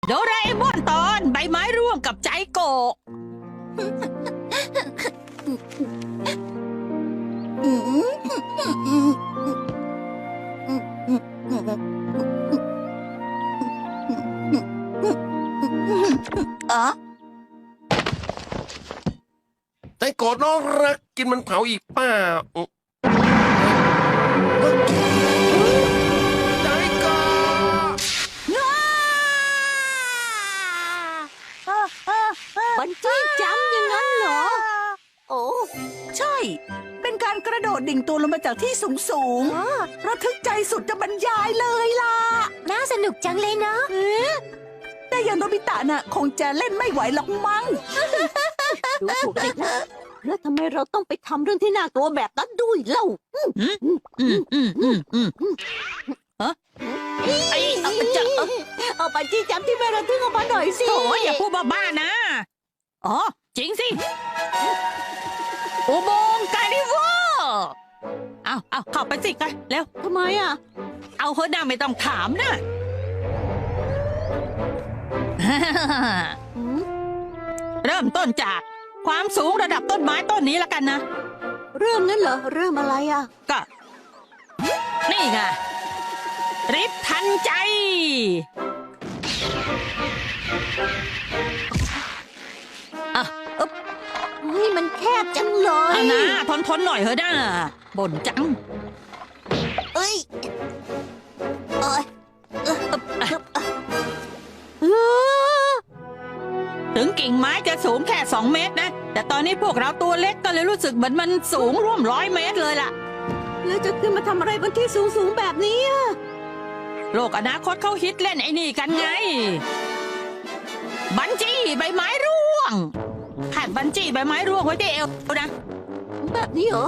โดราเอมอนตอนใบไม้ร่วงกับใจโกะใจโกรธน้องรักกินมันเผาอีกเปล่าใจโกรธบันจี้จัมป์อย่างนั้นเหรอ โอ้ใช่ เป็นการกระโดดดิ่งตัวลงมาจากที่สูงระทึกใจสุดจะบรรยายเลยล่ะน่าสนุกจังเลยเนาะแต่อย่างโนบิตะน่ะคงจะเล่นไม่ไหวหรอกมั้งดูถูกเด็กนะแล้วทำไมเราต้องไปทำเรื่องที่น่ากลัวแบบนั้นด้วยเล่า เอาบันจี้จัมป์ที่ไม่ระทึกออกมาหน่อยสิโอ้ยอย่าพูดบ้าๆนะอ๋อจริงสิอุโมงค์ไกริเวอร์เอาเข้าไปสิกันเร็วทำไมอ่ะเอาเฮอหน้าไม่ต้องถามนะ เริ่มต้นจากความสูงระดับต้นไม้ต้นนี้แล้วกันนะเริ่มงั้นเหรอ เริ่มอะไรอ่ะก็นี่ไงริบทันใจอ่ะอึ๊บเฮ้ยมันแคบจังเลยเอานะทนหน่อยเถอะนะบ่นจังเอ้ยเอ้ยเออถึงกิ่งไม้จะสูงแค่2 เมตรนะ แต่ตอนนี้พวกเราตัวเล็กก็เลยรู้สึกเหมือนมันสูงร่วม100 เมตรเลยล่ะแล้วจะขึ้นมาทำอะไรบนที่สูงๆแบบนี้อ่ะโลกอนาคตเขาฮิตเล่นไอ้นี่กันไง บันจี้ใบไม้ร่วงหัดบันจี้ใบไม้ร่วงไว้ที่เอวนะแบบนี้เหรอ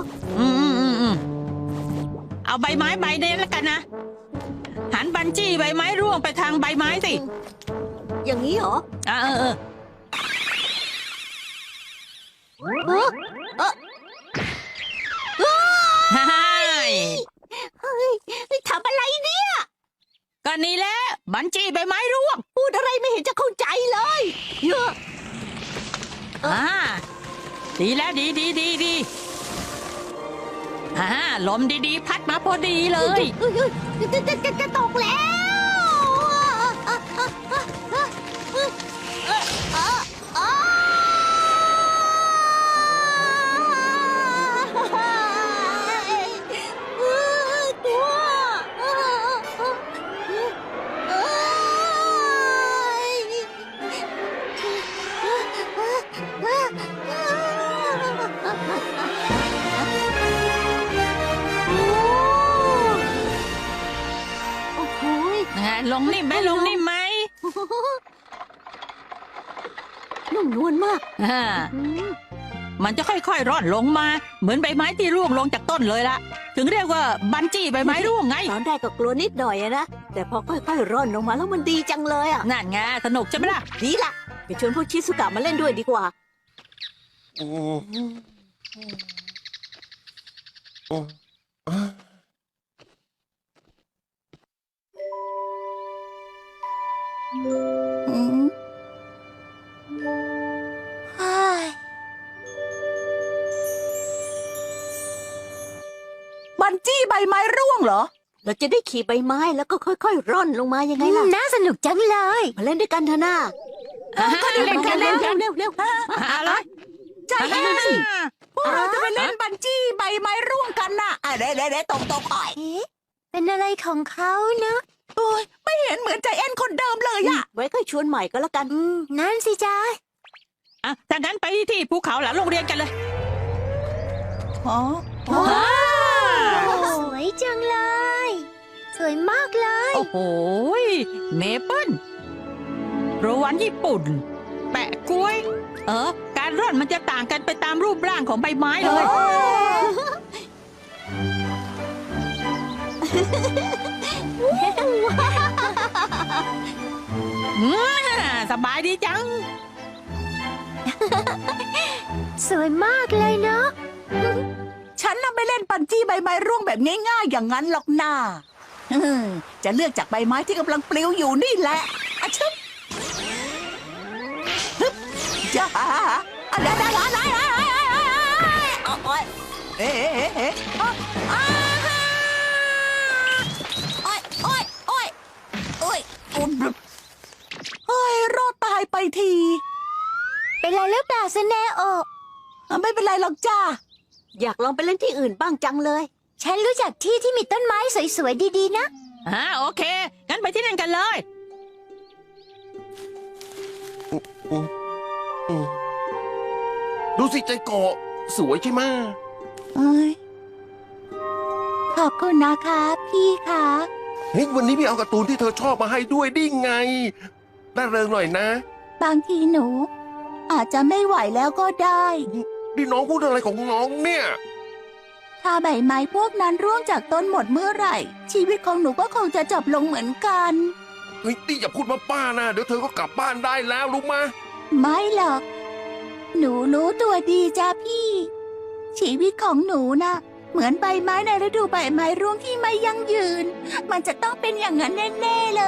เอาใบไม้ใบนี้แล้วกันนะ หันบันจี้ใบไม้ร่วงไปทางใบไม้สิอย่างนี้เหรอเออเออเออฮ่าเฮ้ยทำอะไรเนี่ยก็นี่แหละบันจี้ใบไม้ร่วงพูดอะไรไม่เห็นจะเข้าใจเลยเยอะดีแล้วดีลมดีๆพัดมาพอดีเลยจะตกลงนิ่มไหมนุ่มนวลมากมันจะค่อยๆร่อนลงมา เหมือนใบไม้ที่ร่วงลงจากต้นเลยละถึงเรียกว่าบันจี้ใบไม้ร่วงไงตอนแรกก็กลัวนิดหน่อยอะนะ แต่พอค่อยๆร่อนลงมาแล้วมันดีจังเลยอ่ะนั่นไงสนุกใช่ไหมล่ะดีละไปชวนพวกชิสุกะมาเล่นด้วยดีกว่าบันจี้ใบไม้ร่วงเหรอเราจะได้ขี่ใบไม้แล้วก็ค่อยๆร่อนลงมายังไงล่ะ น่าสนุกจังเลย มาเล่นด้วยกันเถอะนะเล่นกันเร็วอะไรใจเย็นสิ พวกเราจะไปเล่นบันจี้ใบไม้ร่วงกันน่ะเด้ตรงอ้อยเป็นอะไรของเขานะโอ้ยไม่เห็นเหมือนใจแอนคนเดิมเลยอะไว้ค่อยชวนใหม่ก็แล้วกัน นั่นสิจ้าถ้างั้นไปที่ภูเขาหลังโรงเรียนกันเลยอ๋อสวยจังเลย สวยมากเลยโอ้โหเมเปิ้ลโรวันญี่ปุ่น แปะกล้วย การร่อนมันจะต่างกันไปตามรูปร่างของใบไม้เลย สบายดีจังสวยมากเลยเนาะฉันน่ะไม่เล่นบันจี้ใบไม้ร่วงแบบง่ายๆอย่างนั้นหรอกน่าจะเลือกจากใบไม้ที่กำลังปลิวอยู่นี่แหละอะชึบจ้าอะไรโอ๊ยเอ๊ะโอ๊ยโอ๊ยโอ๊ยโอ๊ยเฮ้ยรอดตายไปทีเป็นไรหรือเปล่าซะแน่โอไม่เป็นไรหรอกจ้าอยากลองไปเล่นที่อื่นบ้างจังเลย ฉันรู้จักที่ที่มีต้นไม้สวยๆดีๆนะโอเค งั้นไปที่นั่นกันเลยดูสิใจโกะสวยใช่ไหมขอบคุณนะคะพี่คะเฮ้ยวันนี้พี่เอาการ์ตูนที่เธอชอบมาให้ด้วยดิไงน่าเริงหน่อยนะบางทีหนู อาจจะไม่ไหวแล้วก็ได้นี่น้องพูดอะไรของน้องเนี่ยถ้าใบไม้พวกนั้นร่วงจากต้นหมดเมื่อไหร่ ชีวิตของหนูก็คงจะจบลงเหมือนกันเฮ้ยนี่อย่าพูดมาป้านะเดี๋ยวเธอก็กลับบ้านได้แล้วรู้มะไม่หรอก หนูรู้ตัวดีจ้าพี่ ชีวิตของหนูนะเหมือนใบไม้ในฤดูใบไม้ร่วงที่ไม่ยั่งยืน มันจะต้องเป็นอย่างนั้นแน่ๆเลย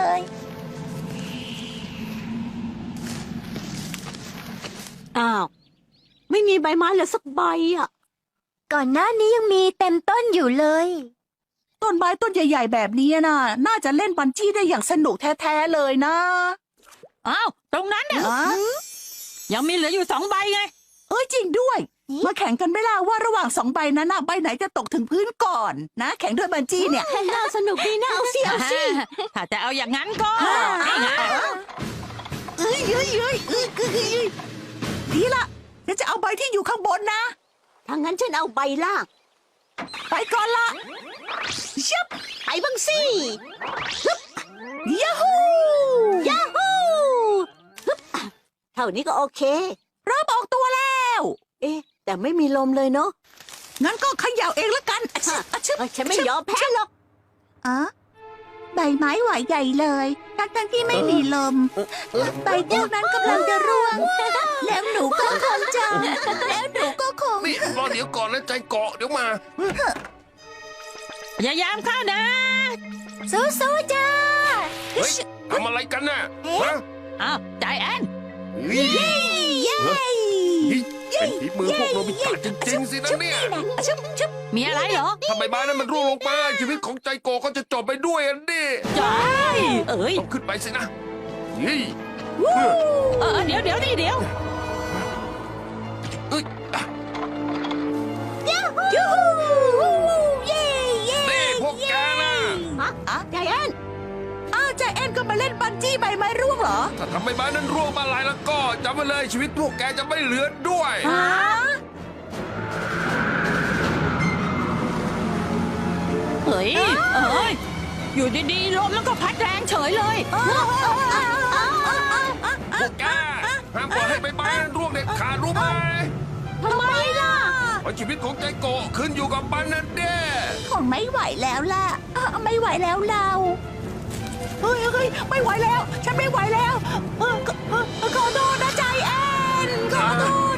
อ้าว ไม่มีใบไม้เลยสักใบอ่ะ ก่อนหน้านี้ยังมีเต็มต้นอยู่เลยต้นไม้ต้นใหญ่ๆแบบนี้น่ะ น่าจะเล่นบันจี้ได้อย่างสนุกแท้ๆเลยนะอ้าว ตรงนั้นเนี่ยอะยังมีเหลืออยู่2 ใบไงเอ้ยจริงด้วยนี่มาแข่งกันไหม่ล่ะว่าระหว่าง2 ใบนั้นน่ะใบไหนจะตกถึงพื้นก่อนนะ แข่งด้วยบันจี้เนี่ยน่าสนุกดีนะเอาสิเอาสิถ้าจะเอาอย่างนั้นก็อ่านี่ไงเอ้ยดีละเดี๋ยวจะเอาใบที่อยู่ข้างบนนะถ้างั้นฉันเอาใบล่างไปก่อนละชับไปบ้างสิยาฮูยาฮูฮึบเท่านี้ก็โอเคเริ่มออกตัวแล้วเอ๊ะ แต่ไม่มีลมเลยเนาะงั้นก็เขย่าเองละกันอะชึบอะชึบเอ้ยฉันไม่ยอมแพ้หรอกอ๋อใบไม้ไหวใหญ่เลยทั้งที่ไม่มีลม ใบพวกนั้นกำลังจะร่วง แล้วหนูก็คงจะแล้วหนูก็คงนี่รอเดี๋ยวก่อนนะใจเกาะเดี๋ยวมาพยายามเข้านะสู้ๆจ้าเฮ้ยทำอะไรกันน่ะฮะอ้าวใจแอนเฮ้ยเฮ้ยเป็นฝีมือพวกโนบิตะจริงๆสินะเนี่ยชึบชึบมีอะไรเหรอถ้าใบไม้นั้นมันร่วงลงมาชีวิตของใจโกะก็จะจบไปด้วยอันนี้ใจเอ้ยต้องขึ้นไปสินะเฮ้ยเดี๋ยวนี่เดี๋ยวเอ้ยอ่ะยูฮูเย่เย่นี่พวกแกน่ะฮะใจแอนอ้าวใจแอนก็มาเล่นบันจี้ใบไม้ร่วงเหรอถ้าทำใบไม้นั้นร่วงมาหลายแล้วก็จำไว้เลยชีวิตพวกแกจะไม่เหลือด้วยฮะเฮ้ยอยู่ดีๆลมมันก็พัดแรงเฉยเลยพวกแกห้ามปล่อยให้ใบไม้นั้นร่วงเด็ดขาดรู้ไหมทำไมล่ะเพราะชีวิตของใจโกะขึ้นอยู่กับมันนั่นเด้คงไม่ไหวแล้วล่ะไม่ไหวแล้วเราเฮ้ยไม่ไหวแล้ว ฉันไม่ไหวแล้วขอโทษนะใจแอนขอโทษ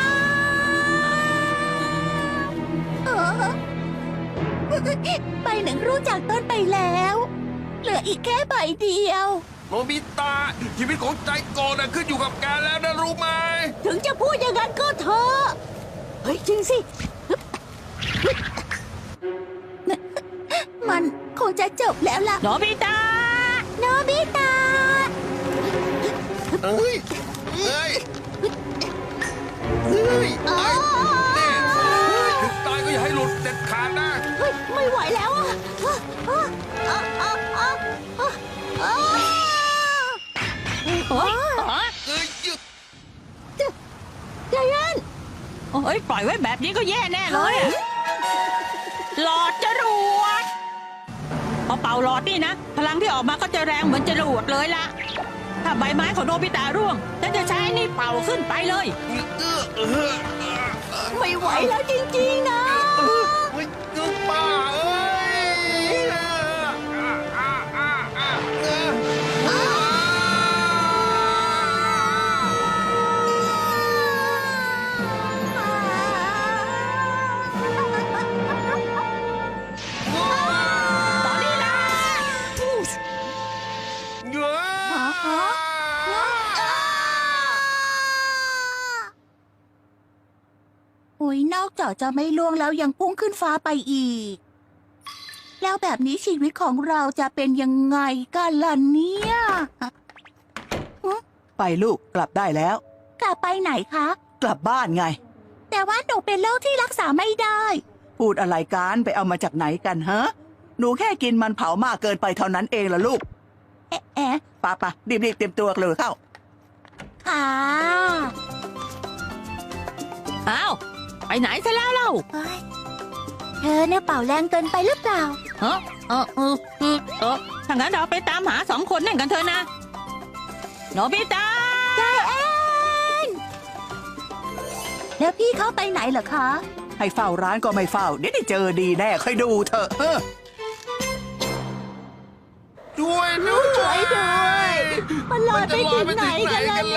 ครับใบหนึ่งรู้จากต้นไปแล้ว เหลืออีกแค่ใบเดียวโนบิตะชีวิตของใจโกะน่ะขึ้นอยู่กับแกแล้วนะรู้ไหมถึงจะพูดอย่างนั้นก็เถอะเฮ้ยจริงสิมันคงจะจบแล้วล่ะโนบิตะโนบิตะเอ้ยเอ้ยเอ้ยอ๋อนี่ถึงตายก็อย่าให้หลุดเด็ดขาดนะเฮ้ยไม่ไหวแล้วอ่ะเฮ้ยเอ้ยหยุดใจแอนปล่อยไว้แบบนี้ก็แย่แน่เลยอะหลอดจรวดพอเป่าหลอดนี่นะ พลังที่ออกมาก็จะแรงเหมือนจรวดเลยล่ะ ถ้าใบไม้ของโนบิตะร่วงฉันจะใช้นี่เป่าขึ้นไปเลยไม่ไหวแล้วจริงๆนะเฮ้ยป้าเอ้ยตอนนี้นะเงยอกจากจะไม่ล่วงแล้วยังพุ่งขึ้นฟ้าไปอีก แล้วแบบนี้ชีวิตของเราจะเป็นยังไงกันล่ะเนี่ยไปลูกกลับได้แล้วกลับไปไหนคะกลับบ้านไงแต่ว่าหนูเป็นโรคที่รักษาไม่ได้พูดอะไรกันไปเอามาจากไหนกันฮะ หนูแค่กินมันเผามากเกินไปเท่านั้นเองล่ะลูกแอะป่ะป่ะรีบๆเตรียมตัวเลยเข้าค่ะอ้าวไปไหนซะแล้วเล่าเฮ้ยเธอเนี่ยเป่าแรงเกินไปหรือเปล่าฮะถ้างั้นเราไปตามหาสองคนนั่นกันเถอะนะโนบิตะแล้วพี่เขาไปไหนเหรอคะให้เฝ้าร้านก็ไม่เฝ้า เดี๋ยวได้เจอดีแน่ค่อยดูเถอะเออช่วยด้วยช่วยด้วย มันลอยไปถึงไหนกันแล้ว